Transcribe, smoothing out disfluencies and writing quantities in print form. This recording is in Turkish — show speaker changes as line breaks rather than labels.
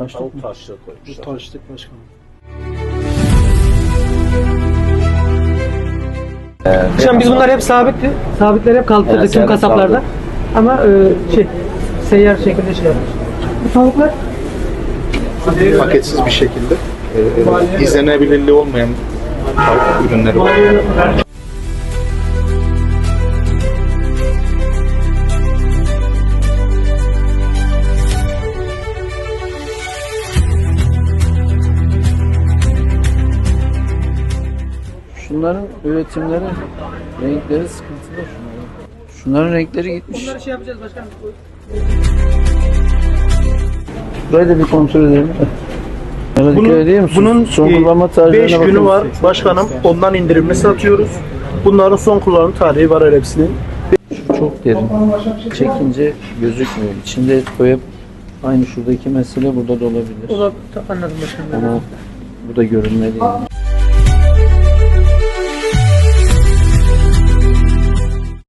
Taşlık
Tavuk
mı?
taşlığı
Bu
koymuşlar.
taşlık başkanım. Şimdi biz bunlar hep sabitti. Sabitleri hep kaldırdık
Evet,
tüm
evet,
kasaplarda.
kaldı.
Ama seyyar şekilde şey yapmış. Bu tavuklar
Paketsiz bir şekilde izlenebilirliği olmayan tavuk ürünleri var.
Şunların üretimleri, renkleri sıkıntılı şunların. Şunların renkleri gitmiş.
bunları şey yapacağız başkanım.
Burayı da bir kontrol edelim. Bana dikkat edeyim misin?
Bunun
Son kullanma tarihlerine
5 günü
bakın.
var başkanım. Ondan indirimli satıyoruz. Bunların son kullanım tarihi var hepsinin.
Şu çok derin. Çekince gözükmüyor. İçinde koyup aynı şuradaki mesele burada da olabilir.
O da anladım başkanım.
Ama bu da görünmeli. Yani.